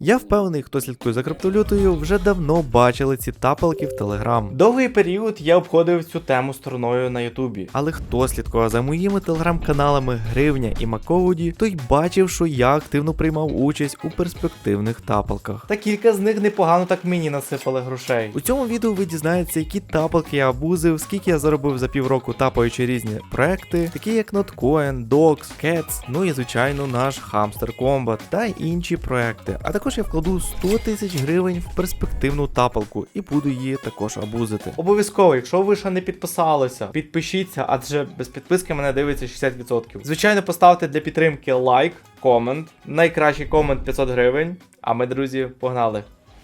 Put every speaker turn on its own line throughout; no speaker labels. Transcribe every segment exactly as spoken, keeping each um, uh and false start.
Я впевнений, хто слідкує за криптовалютою, вже давно бачили ці тапалки в Телеграм. Довгий період я обходив цю тему стороною на Ютубі. Але хто слідкував за моїми телеграм-каналами Гривня і Маководі, той бачив, що я активно приймав участь у перспективних тапалках. Та кілька з них непогано так мені насипали грошей. У цьому відео ви дізнаєтеся, які тапалки я абузив, скільки я заробив за півроку тапаючи різні проекти, такі як Notcoin, Dox, Cats, ну і звичайно наш Hamster Combat та інші проекти. А також я вкладу сто тисяч гривень в перспективну тапалку і буду її також абузити. Обов'язково, якщо ви ще не підписалися, підпишіться, адже без підписки мене дивиться шістдесят відсотків. Звичайно, поставте для підтримки лайк, комент, найкращий комент п'ятсот гривень, а ми, друзі, погнали!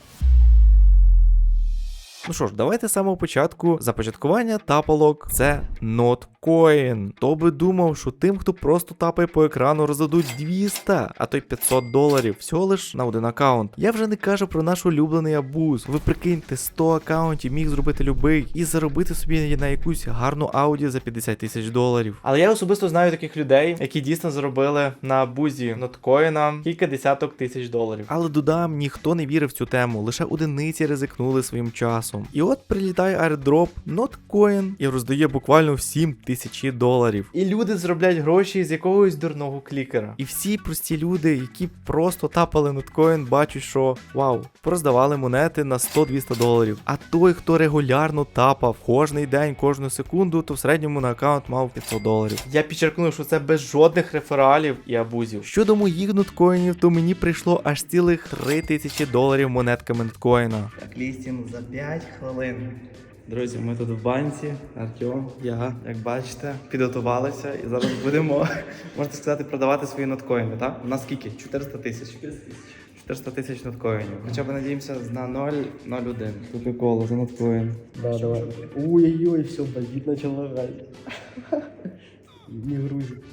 Ну що ж, давайте з самого початку. Започаткування тапалок – це Notcoin. Хто би думав, що тим, хто просто тапає по екрану, роздадуть двісті, а то й п'ятсот доларів, всього лиш на один аккаунт. Я вже не кажу про наш улюблений абуз. Ви прикиньте, сто аккаунтів міг зробити любий і заробити собі на якусь гарну ауді за п'ятдесят тисяч доларів. Але я особисто знаю таких людей, які дійсно заробили на абузі Notcoin кілька десяток тисяч доларів. Але додам, ніхто не вірив в цю тему, лише одиниці ризикнули своїм часом. І от прилітає airdrop Notcoin і роздає буквально всім тисячі доларів. І люди заробляють гроші з якогось дурного клікера. І всі прості люди, які просто тапали Notcoin, бачать, що вау, проздавали монети на сто-двісті доларів. А той, хто регулярно тапав кожний день, кожну секунду, то в середньому на аккаунт мав п'ятсот доларів. Я підчеркну, що це без жодних рефералів і абузів. Щодо моїх ноткоїнів, то мені прийшло аж цілих три тисячі доларів монетками Notcoin. Так, лістінг за п'ять хвилин. Друзі, ми тут в банці, Артем, я, як бачите, підготувалися і зараз будемо, можна сказати, продавати свої ноткоїни, так? У нас скільки? чотириста тисяч. чотириста тисяч ноткоїнів. Хоча б надіємося на нуль нуль один. Купи коло за ноткоін.
Да, давай. Ой-ой-ой, все, бандит начал лагать. Не грузит.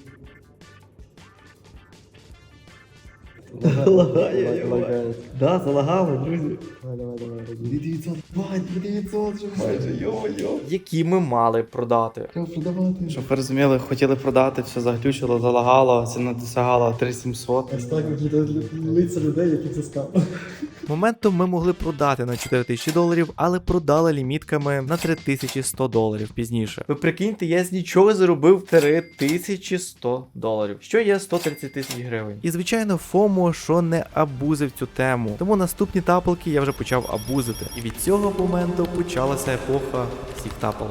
Лагає,
лагает.
Да, залагало, друзі.
Давай, давай, давай.
дев'ятсот, бать, дев'ятсот вже майже, йо-йо. Які ми мали продати.
Треба продавати.
Щоб ви розуміли, хотіли продати, все заглючило, залагало, ціна досягала три тисячі сімсот.
Ось так виглядають лиця людей, яких це стало.
Моментом ми могли продати на чотири тисячі доларів, але продали лімітками на три тисячі сто доларів пізніше. Ви прикиньте, я з нічого заробив три тисячі сто доларів, що є сто тридцять тисяч гривень. І звичайно, ФОМО, що не абузив цю тему. Тому наступні тапалки я вже почав абузити. І від цього моменту почалася епоха всіх тапалок.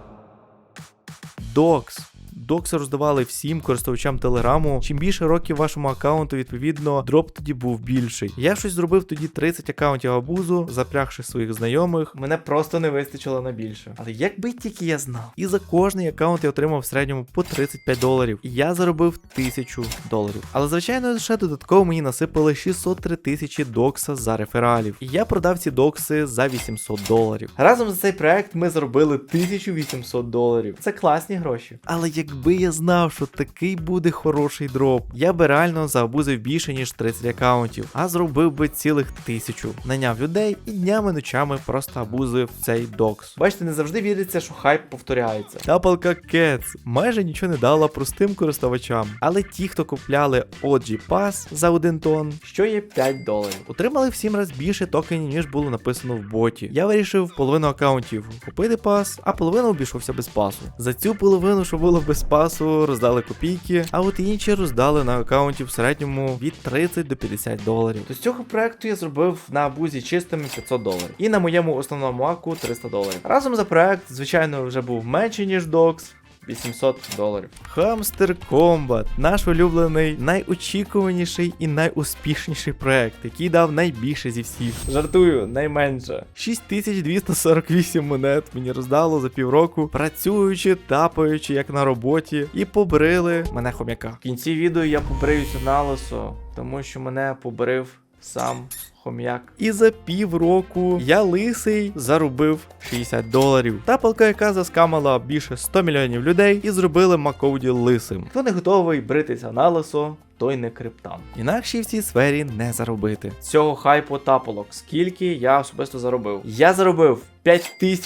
Dox. Докси роздавали всім користувачам Телеграму. Чим більше років вашому аккаунту, відповідно, дроп тоді був більший. Я щось зробив тоді тридцять аккаунтів абузу, запрягши своїх знайомих. Мене просто не вистачило на більше. Але якби тільки я знав. І за кожний аккаунт я отримав в середньому по тридцять п'ять доларів. І я заробив тисячу доларів. Але звичайно, ще додатково мені насипали шістсот три тисячі докса за рефералів. І я продав ці докси за вісімсот доларів. Разом за цей проект ми заробили тисячу вісімсот доларів. Це класні гроші. Але як Якби я знав, що такий буде хороший дроп, я би реально заабузив більше, ніж тридцять аккаунтів, а зробив би цілих тисячу. Наняв людей і днями-ночами просто абузив цей докс. Бачите, не завжди віриться, що хайп повторяється. Тапалка Cats майже нічого не дала простим користувачам, але ті, хто купляли о джі Pass за один тон, що є п'ять доларів, отримали в сім разів більше токенів, ніж було написано в боті. Я вирішив половину аккаунтів купити пас, а половину обійшовся без пасу. За цю половину, що було без пасу, роздали копійки, а от інші роздали на аккаунті в середньому від тридцять до п'ятдесят доларів. То з цього проекту я зробив на абузі чистими п'ятсот доларів. І на моєму основному аку триста доларів. Разом за проект, звичайно, вже був менший, ніж Dox. вісімсот доларів. Hamster Combat. Наш улюблений, найочікуваніший і найуспішніший проект, який дав найбільше зі всіх. Жартую, найменше. шість тисяч двісті сорок вісім монет мені роздало за півроку, працюючи, тапаючи, як на роботі, і побрили мене хом'яка. В кінці відео я побриюся на лисо, тому що мене побрив сам хом'як. І за півроку я лисий заробив шістдесят доларів. Тапалка, яка заскамала більше сто мільйонів людей і зробили Маководі лисим. Хто не готовий бритися на лисо, той не криптан. Інакше в цій сфері не заробити. Цього хайпу тапалок. Скільки я особисто заробив? Я заробив п'ять тисяч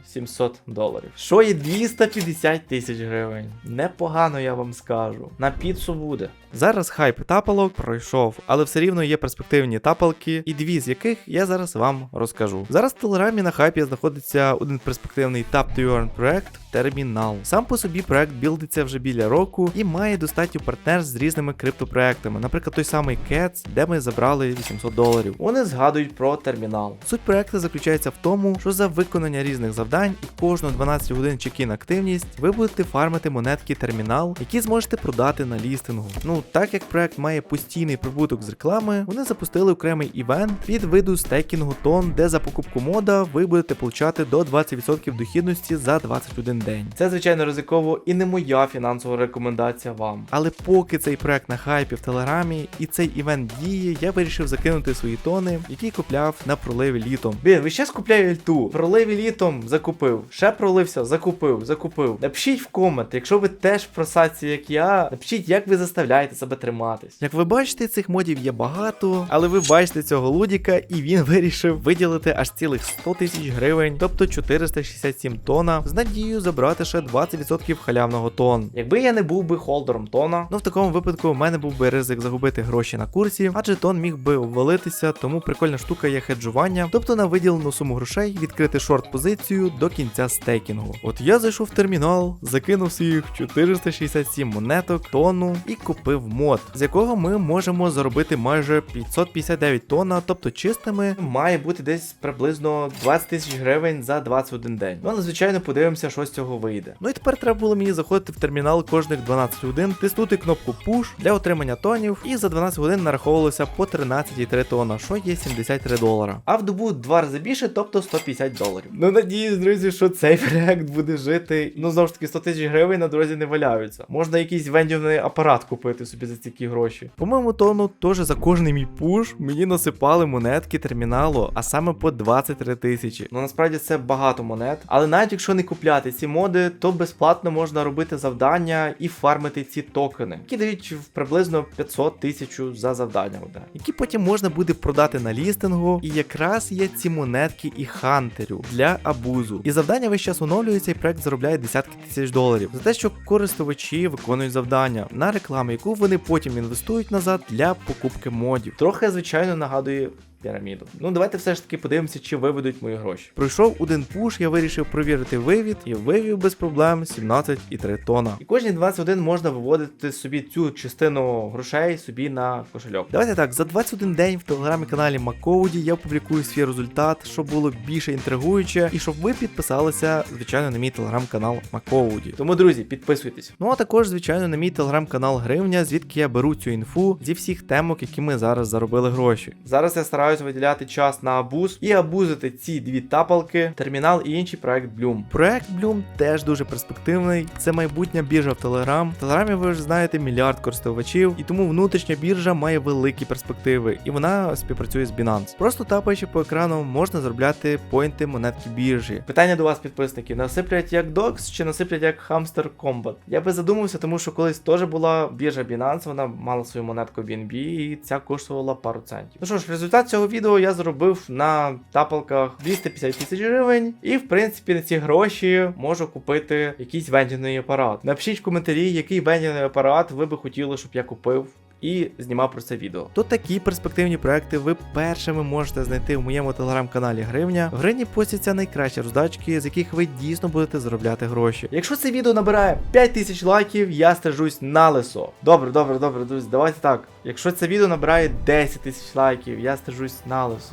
сімсот доларів. Що є двісті п'ятдесят тисяч гривень. Непогано, я вам скажу. На піцу буде. Зараз хайп тапалок пройшов, але все рівно є перспективні тапалки, і дві з яких я зараз вам розкажу. Зараз в Телеграмі на хайпі знаходиться один перспективний Tap to Earn проект Термінал. Сам по собі проект білдиться вже біля року і має достатньо партнерств з різними криптопроектами, наприклад, той самий Cats, де ми забрали вісімсот доларів. Вони згадують про термінал. Суть проекту заключається в тому, що за виконання різних завдань і кожну дванадцять годин чекін активність ви будете фармити монетки термінал, які зможете продати на лістингу. Ну, так як проект має постійний прибуток з реклами, вони запустили окремий івент під виду стейкінгу тон, де за покупку мода ви будете получати до двадцять відсотків дохідності за двадцять один день. Це, звичайно, ризиково і не моя фінансова рекомендація вам. Але поки цей проект на хайпі в Телеграмі і цей івент діє, я вирішив закинути свої тони, які купляв на проливі літом. Блін, ви ще скупляю альту. Проливі літом закупив. Ще пролився, закупив, закупив. Напишіть в комент, якщо ви теж в просадці, як я, напишіть, як ви заставляєте себе триматись. Як ви бачите, цих модів є багато, але ви бачите цього лудіка, і він вирішив виділити аж цілих сто тисяч гривень, тобто чотириста шістдесят сім тона, з надією забрати ще двадцять відсотків халявного тон. Якби я не був би холдером тона, ну в такому випадку в мене був би ризик загубити гроші на курсі, адже тон міг би обвалитися, тому прикольна штука є хеджування, тобто на виділену суму грошей відкрити шорт-позицію до кінця стейкінгу. От я зайшов в термінал, закинув своїх чотириста шістдесят сім монеток, тону і купив мод, з якого ми можемо заробити майже п'ятсот п'ятдесят дев'ять тонн, тобто чистими має бути десь приблизно двадцять тисяч гривень за двадцять один день. Ну, але звичайно подивимося, що з цього вийде. Ну і тепер треба було мені заходити в термінал кожних дванадцять годин, тиснути кнопку Push для отримання тонів, і за дванадцять годин нараховувалося по тринадцять цілих три тонна, що є сімдесят три долара. А в добу два рази більше, тобто сто п'ятдесят доларів. Ну надіюсь, друзі, що цей проект буде жити. Ну знову ж таки, сто тисяч гривень на дорозі не валяються. Можна якийсь вендівний апарат купити собі за такі гроші. По моєму тону, теж за кожний мій пуш мені насипали монетки терміналу, а саме по двадцять три тисячі. Ну насправді це багато монет, але навіть якщо не купляти ці моди, то безплатно можна робити завдання і фармити ці токени, які дають приблизно п'ятсот тисяч за завдання одне, які потім можна буде продати на лістингу, і якраз є ці монетки і хантерю для абузу. І завдання весь час оновлюється, і проект заробляє десятки тисяч доларів за те, що користувачі виконують завдання на рекламу, яку вони потім інвестують назад для покупки модів. Трохи, звичайно, нагадує піраміду. Ну давайте все ж таки подивимося, чи виведуть мої гроші. Пройшов один пуш, я вирішив провірити вивід, і вивів без проблем сімнадцять цілих три тонна. І кожні двадцять один можна виводити собі цю частину грошей собі на кошельок. Давайте так, за двадцять один день в телеграм-каналі Макоуді я опублікую свій результат, щоб було більше інтригуюче, і щоб ви підписалися, звичайно, на мій телеграм-канал Макоуді. Тому, друзі, підписуйтесь. Ну а також, звичайно, на мій телеграм-канал Гривня, звідки я беру цю інфу зі всіх темок, які ми зараз заробили гроші. Зараз я стараюся виділяти час на абуз і абузити ці дві тапалки, термінал і інший проект Bloom. Проект Bloom теж дуже перспективний. Це майбутня біржа в Telegram. В Телеграмі ви вже знаєте мільярд користувачів, і тому внутрішня біржа має великі перспективи, і вона співпрацює з Binance. Просто тапаючи по екрану, можна заробляти поінти монетки біржі. Питання до вас, підписники: насиплять як Dox чи насиплять як Hamster Combat? Я би задумався, тому що колись теж була біржа Binance, вона мала свою монетку бі ен бі, і ця коштувала пару центів. Ну що ж, результат цього відео я зробив на тапалках двісті п'ятдесят тисяч гривень, і в принципі на ці гроші можу купити якийсь вендінний апарат. Напишіть в коментарі, який вендінний апарат ви би хотіли, щоб я купив і знімав про це відео. То такі перспективні проекти ви першими можете знайти в моєму телеграм-каналі Гривня. В Гривні постяться найкращі роздачки, з яких ви дійсно будете заробляти гроші. Якщо це відео набирає п'ять тисяч лайків, я стежусь на лисо. Добре, добре, добре, друзі, давайте так. Якщо це відео набирає десять тисяч лайків, я стежусь на лисо.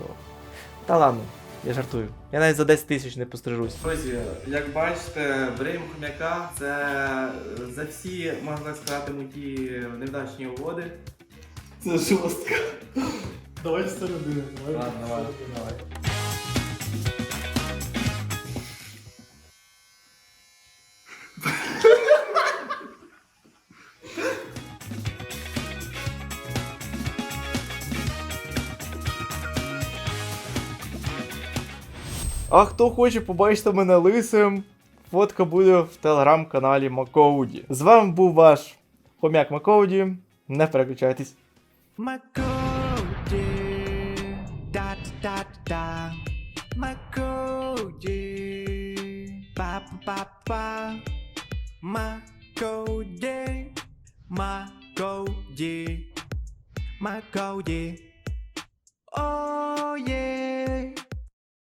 Та ладно, я жартую. Я навіть за десять тисяч не пострижусь. Друзі, як бачите, беремо хом'яка. Це за всі, можна так сказати, мої невдачні угоди.
Це жорстко. Давай з середини.
Ладно, давай, давай. А хто хоче побачити мене лисим, фотка буде в телеграм-каналі Макоуді. З вами був ваш хомяк Макоуді. Не переключайтесь. Макоуді, да-да-да-да, Макоуді. Па па па Макоуді, Макоуді, Макоуді. О,